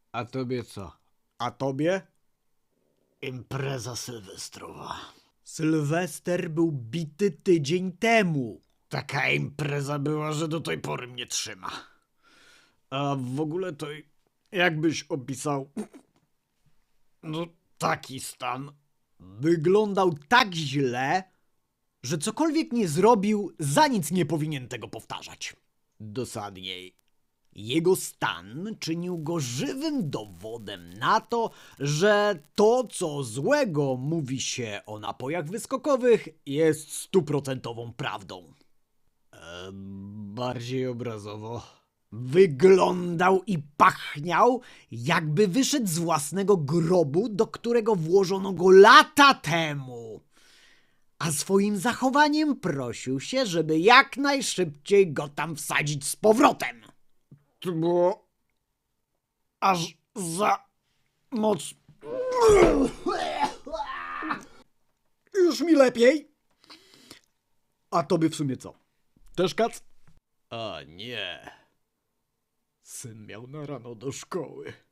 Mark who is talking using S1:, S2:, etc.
S1: A tobie co? A tobie?
S2: Impreza sylwestrowa.
S1: Sylwester był bity tydzień temu.
S2: Taka impreza była, że do tej pory mnie trzyma. A w ogóle to jakbyś opisał... No taki stan.
S1: Wyglądał tak źle, że cokolwiek nie zrobił, za nic nie powinien tego powtarzać. Dosadniej. Jego stan czynił go żywym dowodem na to, że to, co złego mówi się o napojach wyskokowych, jest 100% prawdą.
S2: Bardziej obrazowo.
S1: Wyglądał i pachniał, jakby wyszedł z własnego grobu, do którego włożono go lata temu. A swoim zachowaniem prosił się, żeby jak najszybciej go tam wsadzić z powrotem.
S2: To było... aż za... moc...
S1: Już mi lepiej. A tobie w sumie co? Też kac?
S2: A nie. Syn miał na rano do szkoły.